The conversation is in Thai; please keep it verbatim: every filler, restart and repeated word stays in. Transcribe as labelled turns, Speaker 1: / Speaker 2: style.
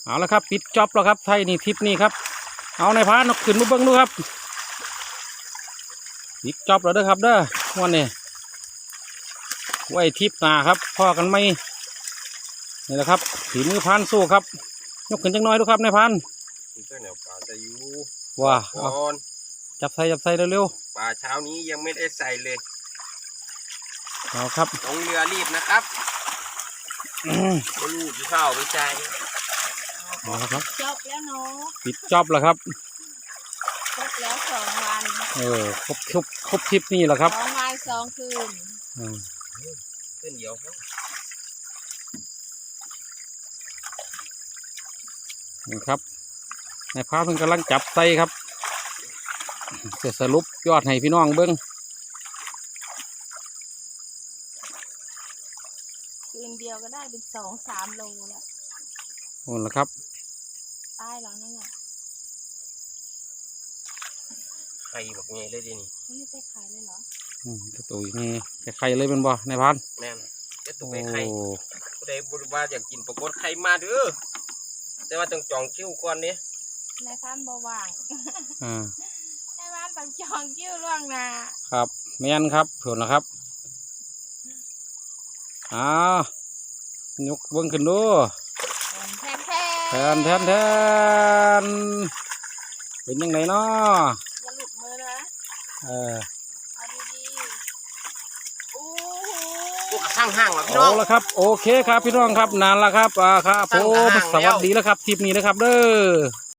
Speaker 1: เอาละครับปิดจ็อบแล้วครับไทยนี่ทิปนี่ครับเอาในพานเอาขึ้นมาเบิ้งดูครับปิดจ็อบแล้วเด้อครับเด้อวันนี้ไว้ทิปหนาครับพ่อกันไหมนี่แหละครับถีมือพานสู้ครับยกขึ้นจังน้อยดูครับในพานว้าจับใส่จับใส่เร็ว
Speaker 2: ๆปลาเช้านี้ยังไม่ได้ใส่เลย
Speaker 1: เอาครับ
Speaker 2: ลงเรือรีบนะครับก็ลูกข้าวไปใจ
Speaker 1: เอาละครับ
Speaker 3: จบแล้วเนาะ
Speaker 1: ปิดจ็อบแล้วครับ
Speaker 3: จบแล้วสองวัน
Speaker 1: เออครบครบครบทิปนี่แหละครับ
Speaker 3: สองวันสองคืน
Speaker 2: ขึ้นเดียว
Speaker 1: นี่ครับในพาเพิ่งกำลังจับใส่ครับจะสรุปยอดให้พี่น้องเบิ้ง
Speaker 3: คืนเดียวก็ได้เป็นสองสามโลแล้ว
Speaker 1: โอ้ละครับ
Speaker 3: ตายแล้วนั่นน่ะ
Speaker 2: ไข่แบบนี้เลยดินี่
Speaker 3: นี่ได้ไข่เลยเหรอ
Speaker 1: อืมตัวนี้ไข่เลยเป็นบ่ในพัน
Speaker 2: แม่นจะตัวไปไข่ผู้ใดบริวารอยากกินปรากฏไข่มาเด้อแต่ว่าต้องจองคิวก่อนเนี่ย
Speaker 3: ในพันบ่ว่าง
Speaker 1: อ่า
Speaker 3: ในพันต้องจองคิวล่วงหน้า
Speaker 1: ครับแม่นครับถูกนะครับอ้าวยกเบิ้งขึ้นดูแทนแทนแทนเป็นยังไงเนาะ
Speaker 3: อย่าหลุดมือนะ
Speaker 1: เออ
Speaker 3: เอาดีๆโอ้
Speaker 2: โหข้างห่างแล้วพี่น้อง
Speaker 1: เอาละครับโอเคครับพี่น้องครับนานละครับอ่าครับผมสวัสดีแล้วครับทริปนี้นะครับเด้อ